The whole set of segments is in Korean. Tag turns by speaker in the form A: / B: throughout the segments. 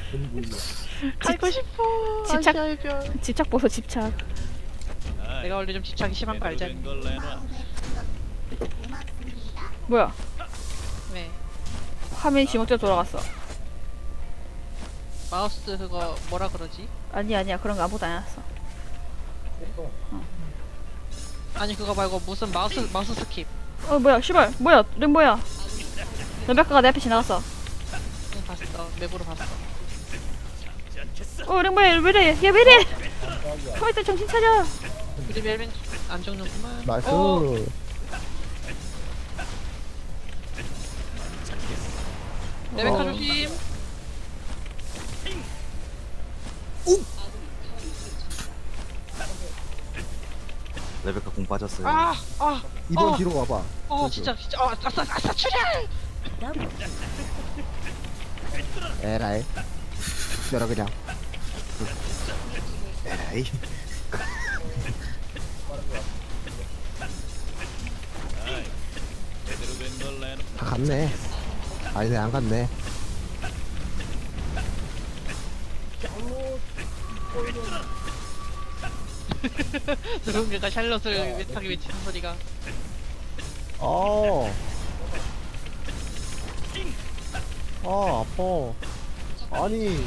A: 가고 싶어.
B: 집착-
A: 아시아의 별.
B: 집착 보소 집착.
A: 내가 원래 좀 집착이 심한 거 알잖니.
B: 뭐야?
A: 네.
B: 화면이 지목대로 돌아갔어.
A: 마우스 그거 뭐라 그러지?
B: 아니야 그런 거 아무것도 안 해놨어.
A: 아니 그거 말고 무슨 마우스 스킵.
B: 뭐야 씨발 뭐야 랭 뭐야? 레베카가 내 앞에 지나갔어.
A: 응 봤어. 맵으로 봤어.
B: 랭 뭐야 왜래? 얘 왜래? 가만 있다 정신 차려.
A: 우리 멜빈 안 죽는구만.
C: 나이스.
A: 레베카
B: 어.
A: 조심.
D: 레베카 공 빠졌어요.
A: 아, 아,
C: 이번
A: 어.
C: 뒤로 와봐.
A: 진짜, 아싸, 출혈!
C: 에라이. 열어 그냥.
D: 에이.
C: 다 갔네. 아니네 안 갔네.
A: 누군가가 샬롯을 외타게 외치는 소리가.
C: 어. 아 아파. 아니.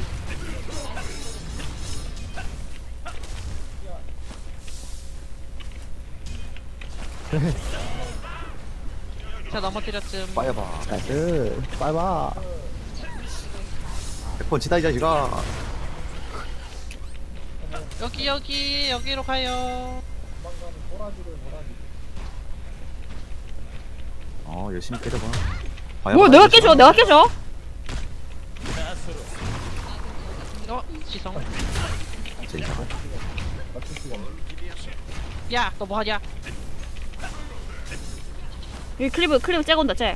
A: 자, 넘어뜨렸음.
D: 빠여봐.
C: 나이스. 빨봐.
D: 100번 치다 이 자식아.
A: 여기로 가요.
D: 열심히 때려봐.
B: 뭐 내가 깨줘 내가 깨줘.
A: 지성.
D: 제이사가.
A: 야, 너 뭐하냐?
B: 여기 클리브 째고 온다 째.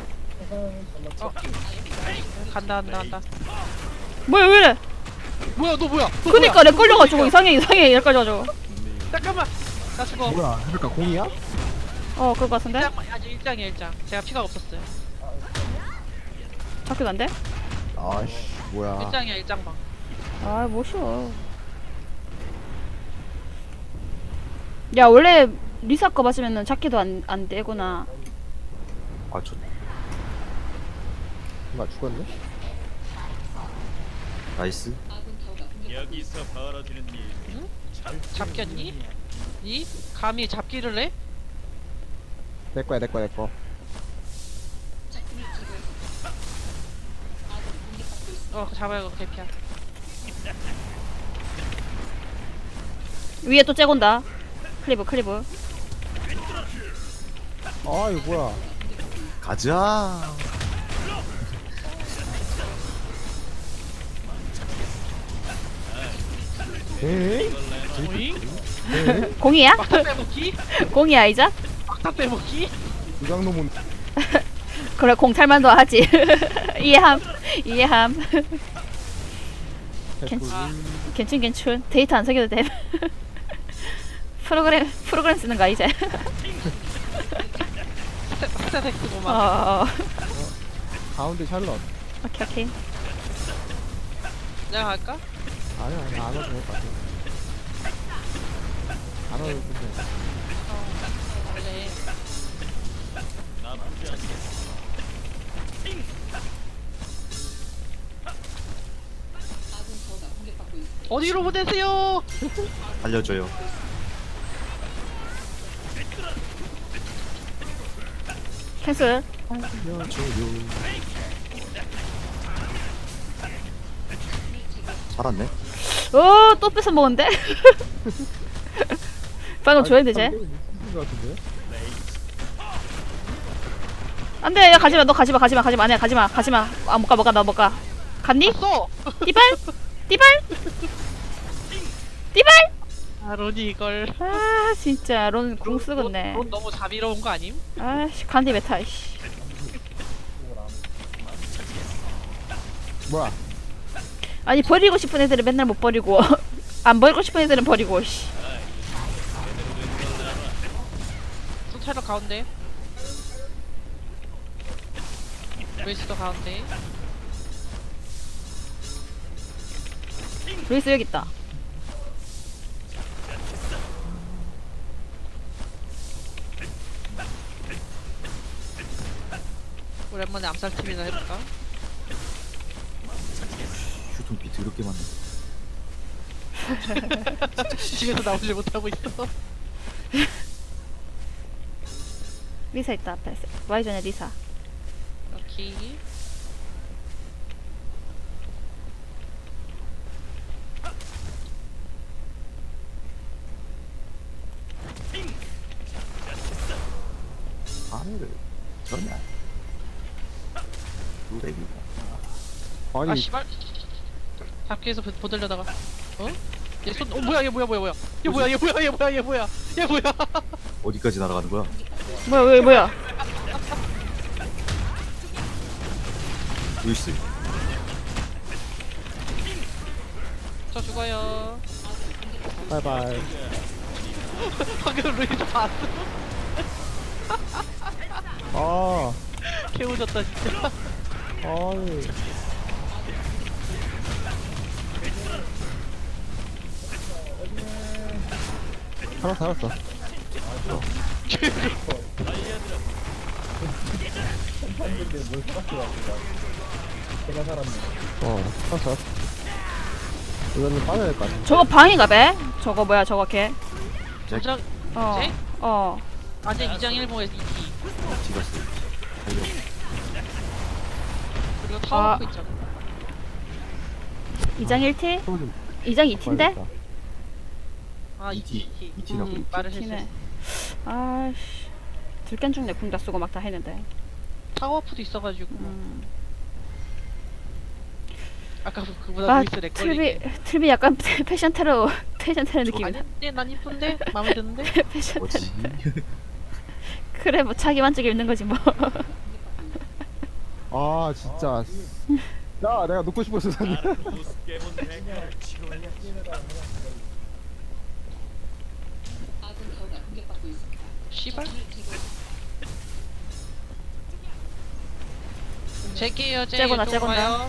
A: 간다.
B: 뭐야 왜래?
A: 뭐야, 너 뭐야?
B: 그니까 렉 걸려가지고 이상해 여기까지 와가지고.
A: 잠깐만. 나 죽어.
C: 뭐야? 그러니까 공이야?
B: 그럴 것 같은데?
A: 아직 1장이야. 제가 피가 없었어요.
B: 잡혀도 안 돼?
C: 아씨 뭐야?
A: 1장이야, 1장방.
B: 뭐 쉬워. 야 원래 리사 거 맞으면은 잡기도 안 되구나.
C: 나 죽었네?
D: 나이스.
E: 여기서 벌어지는 일.
A: 잡겠니? 니? 감히 잡기를 해?
C: 내 거야.
A: 잡아요, 개피야.
B: 위에 또 째고 온다. 클리브.
C: 아 이거 뭐야?
D: 가자.
C: 에?
A: 오잉?
B: 공이야?
A: 막타 빼먹기?
B: 공이야 이자?
A: 막타 빼먹기?
C: 이강놈은
B: 그래 공탈만도 하지. 이해함. 괜춘. 데이터 안 새겨도 돼. 프로그램 쓰는 거 이제.
A: 스타텍스구만.
C: 가운데 샬럿.
B: 오케이.
A: 내가 갈까?
C: 아니야 안 와도 될 것 같아. 안 와도 돼.
A: 원래
E: 나쁘지 않겠어.
A: 어디로 보내세요?
D: 알려줘요.
B: 캔슬.
D: 알려줘요. 살았네.
B: 또 뺏어 먹었는데? 방금 줘야 되지?
C: 것 같은데?
B: 안돼 야 가지마 너 가지마 아니야 가지마 나 못 가 갔니?
A: 써!
B: 띠발
A: 아, 론이 이걸.
B: 진짜 론 궁 쓰겠네.
A: 론 너무 자비로운 거 아님?
B: 아씨 간디 메타 씨.
C: 뭐야?
B: 아니 버리고 싶은 애들은 맨날 못 버리고 안 버리고 싶은 애들은 버리고 씨.
A: 소차로 가운데. 웨이스도 가운데.
B: 루이스 여기 있다.
A: 오랜만에 암살팀이나 해볼까?
D: 휴통비 더럽게 많네.
A: 집에서 나오지 못하고 있어.
B: 리사 있다 앞에. 와이전에 리사.
A: 오케이.
D: 아내를 전혀. 노래기가.
C: 아니
A: 아 씨발. 잡기에서 보들려다가 어? 얘 손, 뭐야 얘 뭐야 얘 뭐야 얘 뭐야
D: 어디까지 날아가는 거야?
B: 뭐야 왜 뭐야?
D: 루이스.
A: 저 죽어요.
C: 바이바이.
A: 방금 루이스 봤어?
C: 아
A: 개우졌다 진짜.
C: 아니. 살았어. 살았어. 이거는 빠져야 될 것 같아.
B: 저거 방인가 배? 저거 뭐야 저거 걔?
A: 도장
B: 어.
A: 쟤?
B: 어.
A: 완전 2장 1모에서 2티.
D: 디가스.
A: 그리고
B: 아.
A: 타워프 있잖아.
B: 2장 1티?
C: 좀
B: 2장 2티인데?
C: 봐야겠다.
A: 아 2티.
D: 2티라고.
A: 말을
B: 티네.
A: 했어.
B: 아씨. 들깬 중내 궁다 쓰고 막 다 했는데.
A: 타워프도 있어가지고. 아까 그보다
B: 아
A: 루이스 렉걸리.
B: 틀비 약간 패션 테러 느낌이다.
A: 아닌데 난 이쁜데 마음에 드는데.
B: 패션 테러.
D: 뭐지?
B: 그래 뭐 자기 만족이 있는 거지 뭐.
C: 아 진짜. 야 내가 놓고 싶었어 사님.
E: 우습게본 대가를 치러야지.
A: 씨발. 제게요 제.
B: 째고나,
A: 이쪽으로
B: 째고나.
A: 와요.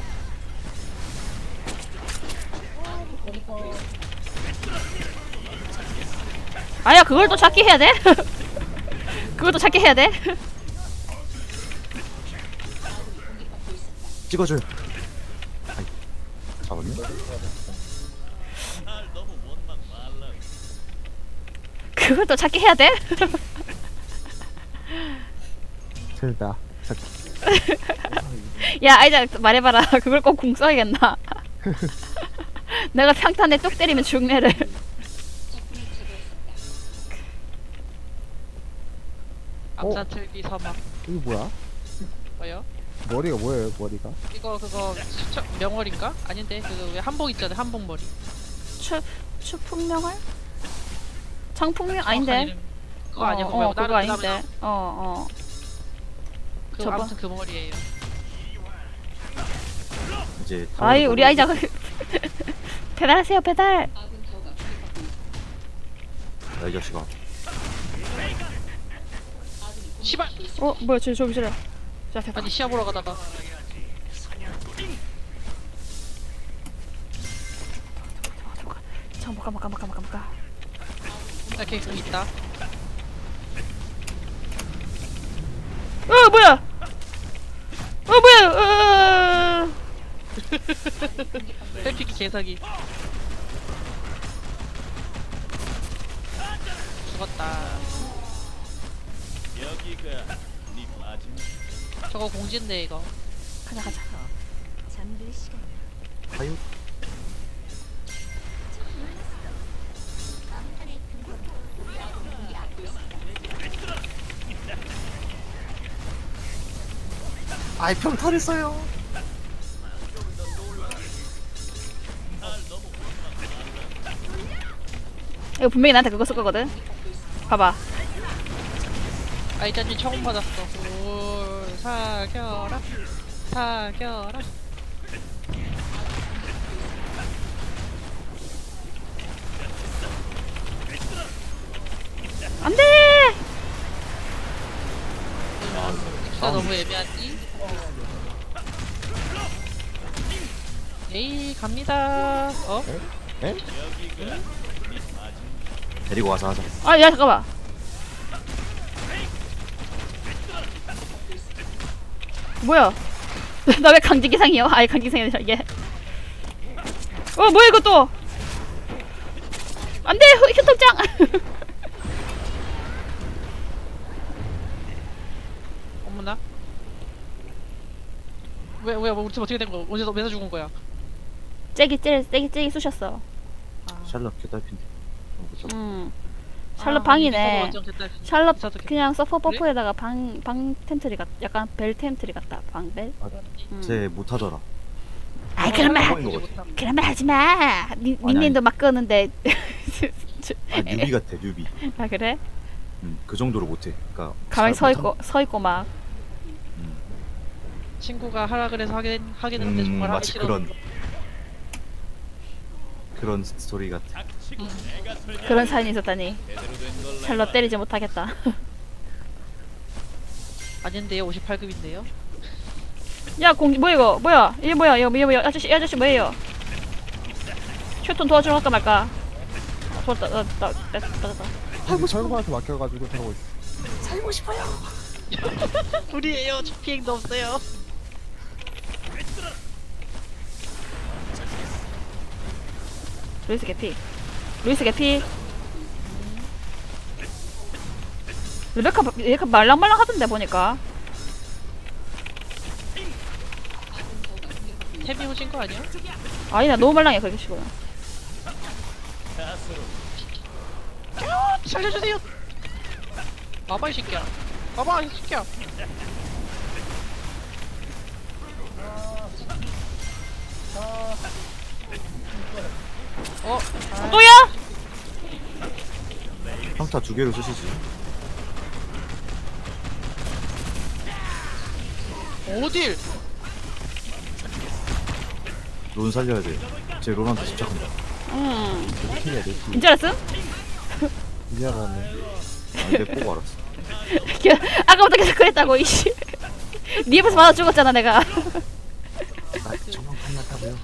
B: 아야 그걸 또 찾기 해야 돼? 그걸 또 찾기 해야 돼?
D: 찍어줘요. 아이, 잡았네?
E: 날 너무 원망 말라.
B: 그걸 또 찾기 해야 돼?
C: 재밌다.
B: 야 아이자 말해봐라. 그걸 꼭 궁 써야겠나? 내가 평탄에 뚝 때리면 죽네를.
A: 암사틀비 서막.
C: 이거 뭐야?
A: 뭐요?
C: 머리가 뭐예요 머리가?
A: 이거 그거 명월인가? 아닌데 그거 왜 한복 있잖아요 한복 머리.
B: 추풍명할? 장풍명
A: 정확한
B: 아닌데?
A: 이름. 그거 아니야 그거 말고
B: 그거
A: 다른
B: 아닌데.
A: 그
B: 저거.
A: 아무튼 그 머리예요.
D: 이제.
B: 아이 우리 아이자 배달하세요 배달.
D: 야, 이 자식아.
A: 씨발.
B: 뭐야 저기 저래. 자 됐다.
A: 아니 시합 보러 가다가.
B: 잠깐 못 가.
A: 이렇게 공 있다.
B: 뭐야? 뭐야?
A: 셀피기 개사기. 죽었다.
E: 여기가 네 마지막.
A: 저거 공진데 이거.
B: 가자.
D: 하유. 아이, 평탈했어요.
B: 이거 분명히 나한테 그거 쓸 거거든. 봐봐.
A: 아이자님 처음 받았어. 올 사겨라.
B: 안돼.
A: 진짜 너무 애매하지? 에이 갑니다. 어?
C: 에?
D: 데리고 와서 하자.
B: 아, 야, 잠깐만. 뭐야? 나 왜 강제기상이야? 아니, 강제기상이 아니라 이게. 뭐야, 이거 또? 안 돼! 휴통장!
A: 어머나. 왜 우리 팀 어떻게 된 거야? 언제 매사 죽은 거야?
B: 째기 쑤셨어.
D: 샬럿 개딸핀데.
B: 샬롯
A: 아,
B: 방이네.
A: 완전 개딸.
B: 샬롯
A: 미사도 개-
B: 그냥 서퍼 버프에다가 방 텐트리 같, 약간 벨 텐트리 같다. 방 벨.
D: 쟤 못하더라.
B: 아이 그런 말
D: 뻥인 거 같아.
B: 그런 말 하지 마. 닉네임도 막 끄는데.
D: 아 뉴비 같아 뉴비.
B: 아 그래?
D: 그 정도로 못해. 그러니까
B: 가만히
D: 잘
B: 서 있고 막.
A: 친구가 하라 그래서 하게 됐는데 정말 하기
D: 마치
A: 싫어.
D: 그런 스토리 같아.
E: 닥치고 내가 설계
B: 그런 사연이 있었다니.
E: 제대로 된걸
B: 샬롯 때리지 못하겠다.
A: 아닌데요, 58급인데요.
B: 야 공지 뭐 이거 뭐야? 이게 뭐야? 이거 뭐야? 아저씨 뭐예요? 슈톤 도와주러 갈까 말까? 도왔다. 됐다.
C: 철거한테 맡겨가지고 저러고 있어.
A: 우리예요. 비행도 없어요.
B: 루이스 개피. 레베카 말랑말랑 하던데 보니까.
A: 템이 오신 거 아니야?
B: 아니 나 너무 말랑해 그렇게 치고는.
A: 살려주세요. 와봐 이 새끼야. 와봐 이 새끼야.
B: 또야?
D: 평타 2개로 쓰시지.
A: 어딜?
D: 론 살려야 돼. 쟤 론한테 집착한다.
C: 내 팀이야 내 팀.
B: 인줄 알았음?
C: 이제 알았네.
D: 내 보고 알았어.
B: 아까부터 계속 그랬다고 이씨. 네 옆에서 맞아 죽었잖아 내가.
D: 아 저만 끝났다고요.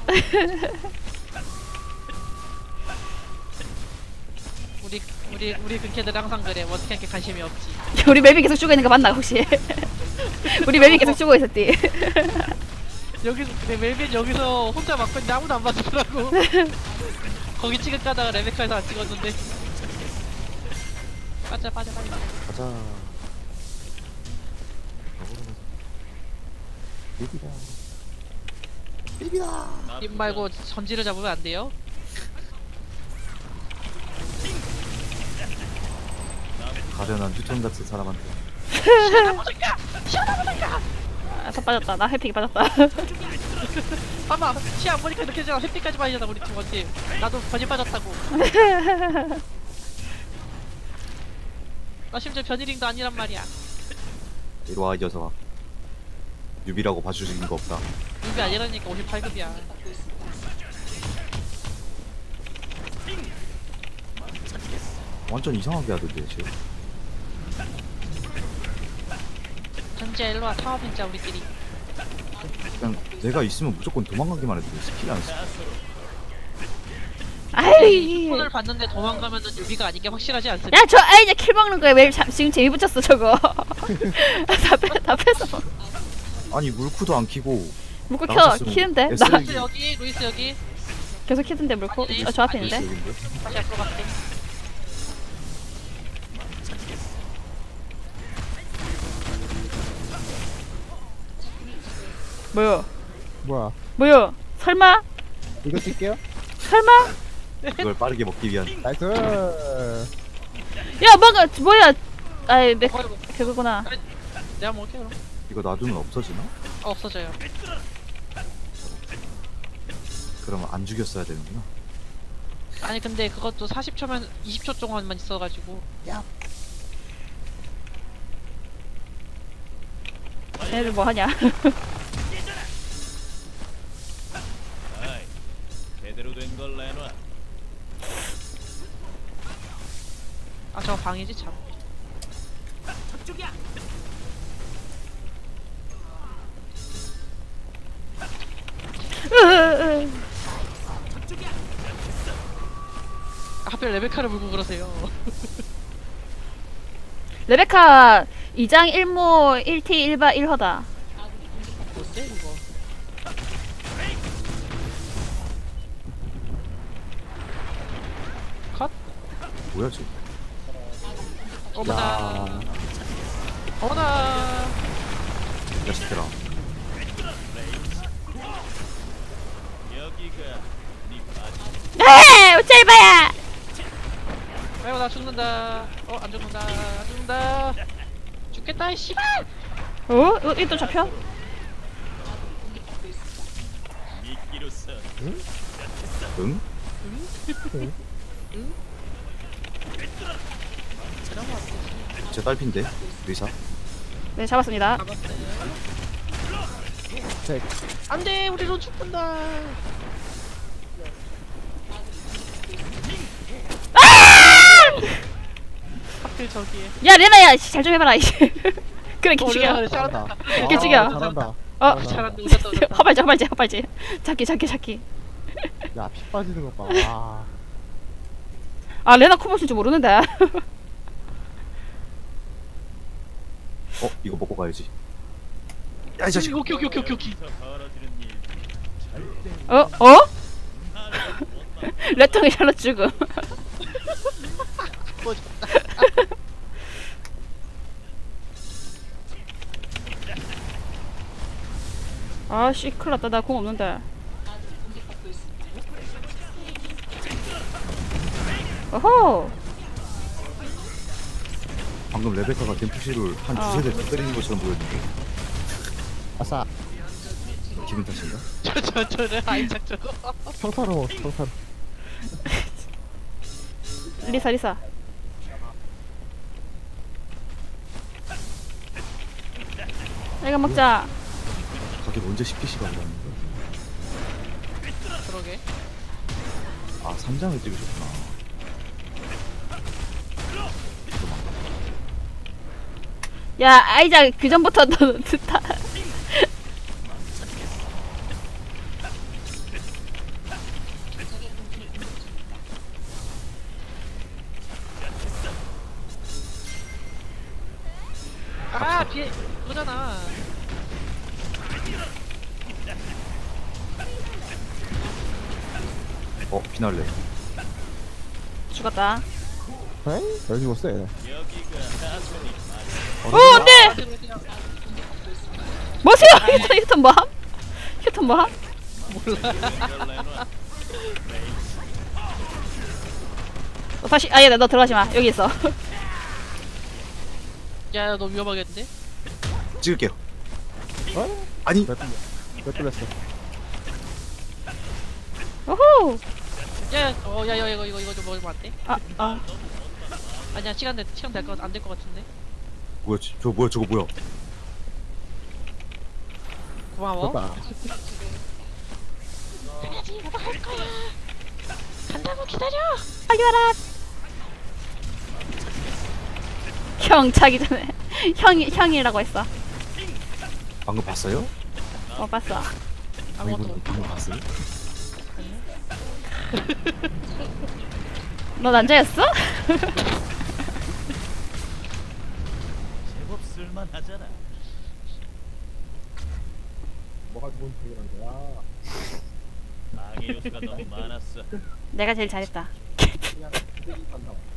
A: 우리 근캐들 항상 그래. 뭐 어떻게 이렇게 관심이 없지.
B: 우리 멜빈 계속 죽어 있는 거 맞나 혹시? 우리 멜빈 계속 죽어 있었지.
A: 여기서 멜빈 여기서 혼자 막고 있는데 아무도 안 봐주더라고. 거기 찍을까다가 레베카에서 안 찍었는데. 빠져.
D: 가자. 비비다.
A: 입 말고 전지를 잡으면 안 돼요.
D: 가련한 휴톤 같은 사람한테.
B: 다 빠졌다. 나 해픽이 빠졌다.
A: 봐봐, 시안 보니까 이렇게 되잖아. 햇빛까지 빠지잖아 우리 팀 원팀. 나도 변이 빠졌다고. 나 심지어 변이링도 아니란 말이야.
D: 이리 와, 이 녀석아. 뉴비라고 봐주시는 거 없다.
A: 이게 아니라니까 58급이야.
D: 완전 이상하게 하던데, 쟤.
A: 전지야 일로와. 타워 빈자 우리끼리.
D: 그냥 내가 있으면 무조건 도망가기만 해도 스킬이 안 써.
B: 아이.
A: 손을 봤는데 도망가면은 유비가 아닌 게 확실하지 않습니까?
B: 야, 이제 킬 먹는 거야. 왜 지금 재미 붙였어, 저거. 다 뺐어.
D: 아니, 물쿠도 안 키고.
B: 물고
D: 나갔었으면
B: 키는데?
D: SL
B: 나
A: 루이스 여기, 루이스 여기.
B: 계속 키던데, 물고? 저 앞에 있는데?
D: 여기인데?
A: 다시 앞으로 갈게.
B: 뭐야? 설마?
C: 이거 쓸게요.
B: 설마?
D: 그걸 빠르게 먹기 위한.
C: 나이스.
B: 야, 뭐야? 아이,
A: 어이구,
B: 그거구나.
A: 내가 먹을게 그럼.
D: 이거 놔두면 없어지나?
A: 없어져요.
D: 그러면 안 죽였어야 되는구나.
A: 아니 근데 그것도 40초면 20초 동안만 있어가지고.
B: 얘네들 뭐 하냐?
E: 아이, 제대로 된 걸 내놔.
A: 아 저거 방이지 참. 하필 레베카를 물고 그러세요.
B: 레베카 2장 1모 1T 1바 1허다.
A: 뭔데 이거? 컷?
D: 뭐야 쟤?
A: 어머나. 어머나.
D: 야 시켜라.
E: 여기가 네 바지.
B: 에이 짤바야.
A: 아이고 나 죽는다. 안 죽는다. 안 죽는다. 죽겠다 이 씨발.
B: 이또 잡혀?
E: 미끼로서
D: 응? 쟤 딸핀데 의사.
B: 네 잡았습니다.
A: 안돼 우리로 죽는다. 하필 저기에.
B: 야 레나야 잘 좀 해봐라 이제. 그래 개죽여.
A: 레나가 잘한다.
B: 이렇게 죽여.
C: 잘한다.
A: 잘한다. 웃었다 웃었다.
B: 허발지. 잡기.
C: 야, 피 빠지는 것 봐. 와.
B: 아 레나 코볼 쓸줄 모르는데.
D: 이거 먹고 가야지. 야 이 자식.
A: 오케이.
E: 여기서 벌어지는 일
B: 레통이 잘라 죽음. 아씨 큰일났다 나 공 없는데. 어호.
D: 방금 레베카가 댐프시를 한 두세 대 때리는 것처럼 보였는데
C: 아싸.
D: 기분 탓인가?
A: 저래 아이작 저거.
C: 평타로, 평타로.
B: 리사. 이거 먹자.
D: 가게 언제 10개씩 안 갔는데?
A: 그러게.
D: 아 3장을 찍으셨구나.
B: 야 아이자 그 전부터 너 듣다.
A: 비에 그거잖아.
D: 피날레.
B: 죽었다.
C: 에이? 왜 죽었어, 얘네.
E: 여기가 다소니
B: 안돼. 뭐세요? 휴턴 뭐함? 휴턴 뭐함?
E: 걸 내놔.
B: 다시 아예 너 들어가지 마. 여기 있어.
A: 야 너 위험하겠는데?
D: 찍을게요.
C: 어?
D: 아니
C: 몇 뚫렸어?
B: 오호.
A: 야 이거 좀 먹으면 안 돼?
B: 아.
A: 아니야 시간 될 거 안 될 거 같은데.
D: 뭐야 저거 뭐야?
A: 고마워.
C: 됐다.
A: 가야지 나도 할 거야. 간다고 기다려.
B: 빨리 와라. 형 자기 전에 형이라고 했어.
D: 방금 봤어요?
B: 봤어.
A: 아무것도.
D: 방금 봤어요?
B: 너 남자였어?
E: 제법 쓸만하잖아.
C: 뭐가 좋은 중이란 거야?
E: 방해 요소가 너무 많았어.
B: 내가 제일 잘했다.